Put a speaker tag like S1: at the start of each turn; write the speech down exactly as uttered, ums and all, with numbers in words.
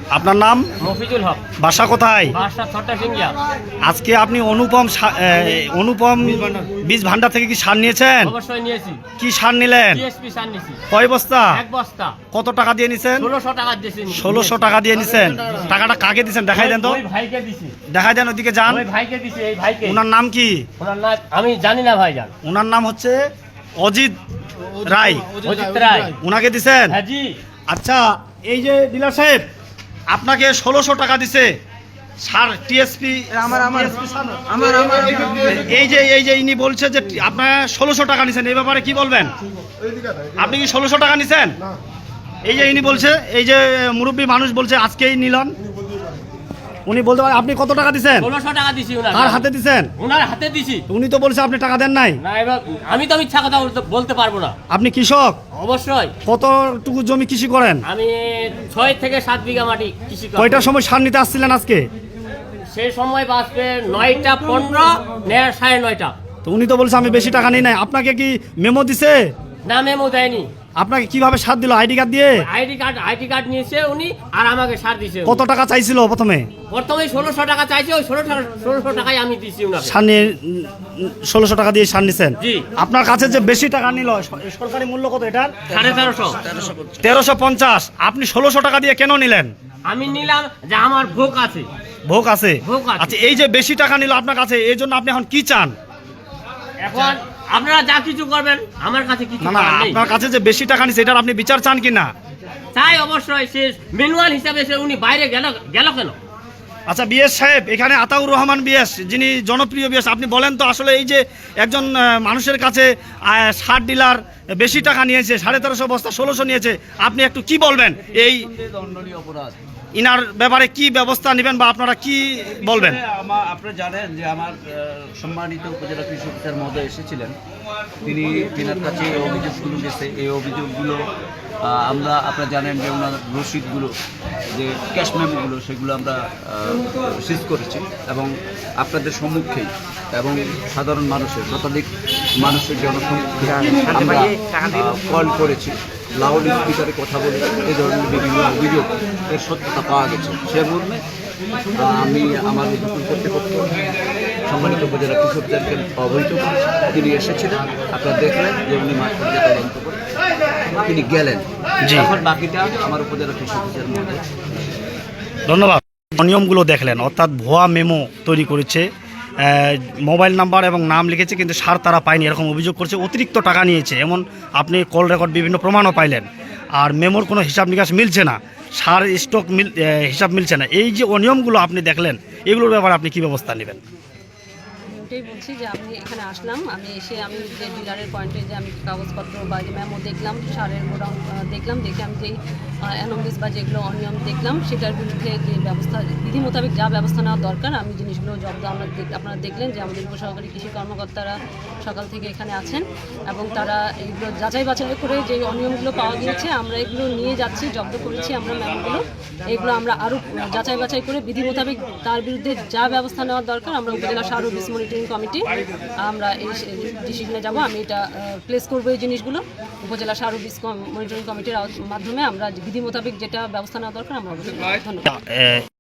S1: আপনার নাম?
S2: মফিজুল হক।
S1: বাসা কোথায়?
S2: বাসা ছটা সিঙ্গিয়া।
S1: আজকে আপনি অনুপম সা- এ, অনুপম বীজ ভান্ডার থেকে কি সার নিয়েছেন?
S2: অবশ্যই নিয়েছি।
S1: কি সার নিলেন?
S2: টিএসপি সার নিয়েছি।
S1: কয় বস্তা?
S2: এক বস্তা।
S1: কত টাকা দিয়ে নিছেন?
S2: ষোলোশো টাকা দিয়েছি।
S1: ষোলোশো টাকা দিয়ে নিছেন। টাকাটা কাকে দিছেন দেখাই দেন তো।
S2: ওই ভাইকে দিছি।
S1: দেখাই দেন, ওদিকে যান।
S2: ওই ভাইকে দিছি, এই ভাইকে।
S1: ওনার নাম কি?
S2: ওনার নাম আমি জানি না ভাইজান।
S1: ওনার নাম হচ্ছে অজিত রায়।
S2: অজিত রায়।
S1: ওনাকে দিছেন?
S2: হ্যাঁ জি।
S1: আচ্ছা, এই যে ডিলার সাহেব আপনাকে ষোলোশো টাকা দিছে সার টিএসপি
S3: আমার আমার আমার আমার
S1: এই যে এই যে ইনি বলছে যে আপনার ষোলোশো টাকা নিছেন, এই ব্যাপারে কি বলবেন? আপনি কি ষোলোশো টাকা নিছেন? এই যে ইনি বলছে, এই যে মুরব্বী মানুষ বলছে আজকেই নিলন, উনি বলতে পারেন আপনি কত টাকা দিছেন?
S2: ষোলোশো টাকা দিছি ওনার।
S1: কার হাতে দিছেন?
S2: ওনার হাতে দিছি।
S1: উনি তো বলছে আপনি টাকা দেন নাই।
S2: না, এবার আমি তো মিথ্যা কথা বলতে বলতে পারবো না।
S1: আপনি কৃষক?
S2: অবশ্যই।
S1: কতটুকু জমি কৃষি করেন?
S2: আমি ছয় থেকে সাত বিঘা মাটি কৃষি করি।
S1: কয়টার সময় সার নিতে আসছিলেন আজকে?
S2: সেই সময় বাঁচবে নয়টা পনেরো, নেয় সাড়ে নয়টা।
S1: তো উনি তো বলছে আমি বেশি টাকা নিই নাই। আপনাকে কি মেমো দিছে?
S2: না, মেমো দেয়নি।
S1: আপনাকে কিভাবে সার দিল? আইডি কার্ড দিয়ে?
S2: আইডি কার্ড আইডি কার্ড নিয়েছে উনি, আর আমাকে সার দিছে।
S1: কত টাকা চাইছিল প্রথমে?
S2: প্রথমে ষোলোশো টাকা চাইছে, ওই ষোলোশো ষোলোশো টাকায় আমি দিছি ওনাকে।
S1: সার নিয়ে ষোলোশো টাকা দিয়ে সার নিছেন।
S2: জি।
S1: আপনার কাছে যে বেশি টাকা নিল, সরকারি মূল্য কত এটার?
S2: সাড়ে তেরোশো।
S1: তেরোশো পঞ্চাশ। আপনি ষোলোশো টাকা দিয়ে কেন নিলেন?
S2: আমি নিলাম যে আমার ভোগ আছে।
S1: ভোগ আছে?
S2: ভোগ আছে।
S1: আচ্ছা, এই যে বেশি টাকা নিল আপনার কাছে, এই জন্য আপনি এখন কি চান?
S2: এখন আপনারা যা কিছু করবেন, আমার কাছে কিছু
S1: না না,
S2: করার নেই।
S1: আপনার কাছে যে বেশি টাকা নিছে এটার আপনি বিচার চান কি না?
S2: তাই অবশ্যই সে ম্যানুয়াল হিসাবে সে উনি বাইরে গেল গেল কেন?
S1: আচ্ছা, বিএস সাহেব, এখানে আতাউর রহমান বিএস, যিনি জনপ্রিয় বিএস, আপনি বলেন তো আসলে এই যে একজন আহ, মানুষের কাছে আহ, সার ডিলার বেশি টাকা নিয়েছে, সাড়ে তেরোশো বস্তা ষোলোশো নিয়েছে, আপনি একটু কি বলবেন এই
S3: দণ্ডনীয় অপরাধ।
S1: ইনার ব্যাপারে কি ব্যবস্থা নেবেন বা আপনারা কি বলবেন?
S3: আমার আপনারা জানেন যে আমার আহ, সম্মানিত উপজেলা কৃষি অফিসার মহোদয় এসেছিলেন, তিনি তিনার কাছে এই অভিযোগগুলো গেছে। এই অভিযোগগুলো আহ, আমরা আপনারা জানেন যে ওনার রসিদগুলো, যে ক্যাশ মেমোগুলো, সেগুলো আমরা সিজ করেছি এবং আপনাদের সম্মুখেই এবং সাধারণ মানুষের, শতাধিক মানুষের জনসম্মুখে আমরা কল করেছি, লাউড স্পিকারে কথা বলে এই ধরনের বিভিন্ন অভিযোগ এর সত্যতা পাওয়া গেছে। সে মর্মে আহ, আমি আমার নতুন কর্তৃপক্ষ সম্মানিত উপজেলা কৃষি অফিসারকে অবহিত করেছি। তিনি এসেছিলেন, আপনারা দেখলেন যে উনি মাঠ পর্যায়ে তদন্ত করে তিনি গেলেন।
S1: জি।
S3: এখন বাকিটা আমার উপজেলা কৃষি অফিসার মধ্যে।
S1: ধন্যবাদ। নিয়মগুলো দেখলেন, অর্থাৎ ভুয়া মেমো তৈরি করেছে, আহ, মোবাইল নাম্বার এবং নাম লিখেছে কিন্তু সার তারা পায়নি, এরকম অভিযোগ করছে, অতিরিক্ত টাকা নিয়েছে এমন আপনি কল রেকর্ড বিভিন্ন প্রমাণও পাইলেন। আর মেমোর কোনো হিসাব নিকাশ মিলছে না, সার স্টক মিল আহ, হিসাব মিলছে না। এই যে অনিয়মগুলো আপনি দেখলেন, এগুলোর ব্যাপারে আপনি কী ব্যবস্থা নেবেন?
S4: ওটাই বলছি যে আমি এখানে আসলাম, আমি এসে আমি যে ডিলারের পয়েন্টে যে আমি কাগজপত্র বা যে মেমো দেখলাম, সারের গোডাউন দেখলাম, দেখে আমি যেই অ্যানোমালিস বা যেগুলো অনিয়ম দেখলাম সেটার বিরুদ্ধে যে ব্যবস্থা বিধি মোতাবেক যা ব্যবস্থা নেওয়া দরকার আমি জিনিসগুলো জব্দ আমরা দেখ- আপনারা দেখলেন যে আমাদের উপসহকারী কৃষি কর্মকর্তারা সকাল থেকে এখানে আছেন এবং তারা এইগুলো যাচাই বাছাই করে যে অনিয়মগুলো পাওয়া গিয়েছে আমরা এগুলো নিয়ে যাচ্ছি, জব্দ করেছি আমরা মেমোগুলো। এগুলো আমরা আরও যাচাই বাছাই করে বিধি মোতাবেক তার বিরুদ্ধে যা ব্যবস্থা নেওয়ার দরকার আমরা উপজেলা সার ও বীজ মনিটরিং কমিটি আমরা এই ডিসিশনে যাব। আমি এটা প্লেস করবো এই জিনিসগুলো উপজেলা সার ও বীজ মনিটরিং কমিটির মাধ্যমে আমরা বিধি মোতাবেক যেটা ব্যবস্থা নেওয়া দরকার আমরা অবশ্যই। ধন্যবাদ।
S1: আহ,